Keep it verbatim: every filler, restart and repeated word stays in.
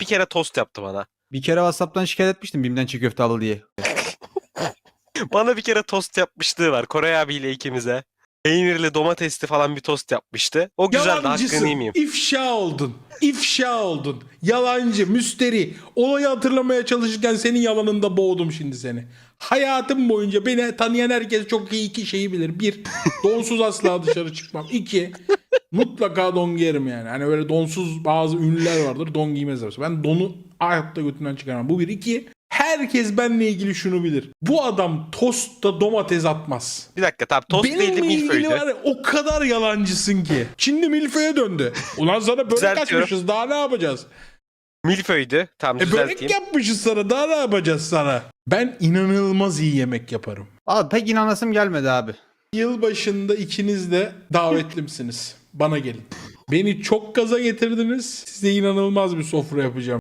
kere tost yaptı bana. Bir kere WhatsApp'tan şikayet etmiştim Bim'den çiğ köfte aldı diye. Bana bir kere tost yapmışlığı var Koray abiyle ikimize. Peynirli domatesli falan bir tost yapmıştı. O güzeldi, hakkını Yalancısın. yemeyeyim. İfşa oldun. İfşa oldun. Yalancı, müsteri. Olayı hatırlamaya çalışırken senin yalanında boğdum şimdi seni. Hayatım boyunca beni tanıyan herkes çok iyi iki şeyi bilir. Bir, donsuz asla dışarı çıkmam. İki, mutlaka don giyerim yani. Hani böyle donsuz bazı ünlüler vardır. Don giymezler. Ben donu hayatta götünden çıkaramam. Bu bir. İki, herkes benimle ilgili şunu bilir. Bu adam tostta domates atmaz. Bir dakika, tamam, tost değildi, Benimle ilgili milföydü. var ya, o kadar yalancısın ki. Şimdi milföye döndü. Ulan sana börek Düzeltiyorum. açmışız, daha ne yapacağız? Milföydü. Tamam, E börek düzelteyim. yapmışız sana, daha ne yapacağız sana? Ben inanılmaz iyi yemek yaparım. Abi pek inanasım gelmedi abi. Yılbaşında ikiniz de davetlimsiniz. Bana gelin. Beni çok gaza getirdiniz. Size inanılmaz bir sofra yapacağım.